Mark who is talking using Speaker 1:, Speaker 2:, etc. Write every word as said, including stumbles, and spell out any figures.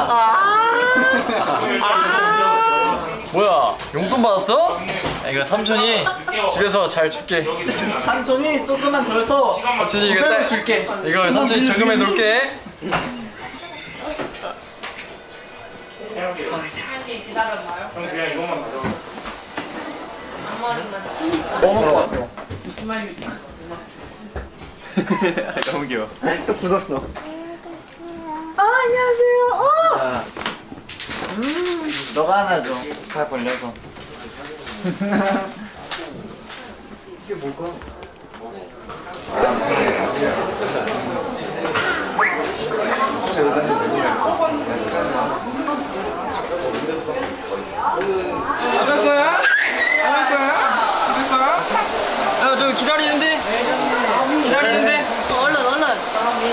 Speaker 1: 뭐야, 용돈 받았어? 야, 이거 삼촌이 집에서 잘 줄게.
Speaker 2: 삼촌이 조금만 더 해서
Speaker 1: 삼촌이 이거
Speaker 2: 구백을
Speaker 1: 딸
Speaker 2: 줄게.
Speaker 1: 이거 삼촌이 저금해 놓을게.
Speaker 3: 한님 기다려봐요.
Speaker 4: 형 그냥 이것만 가져가.
Speaker 3: 앞머리만
Speaker 2: 뭐 먹고 왔어?
Speaker 3: 주말 유치.
Speaker 2: 너무 귀여워. 또 굳었어.
Speaker 3: 아 안녕하세요. 어.
Speaker 2: 아. 음, 너가 하나 줘. 팔 벌려서. 이게 뭘까?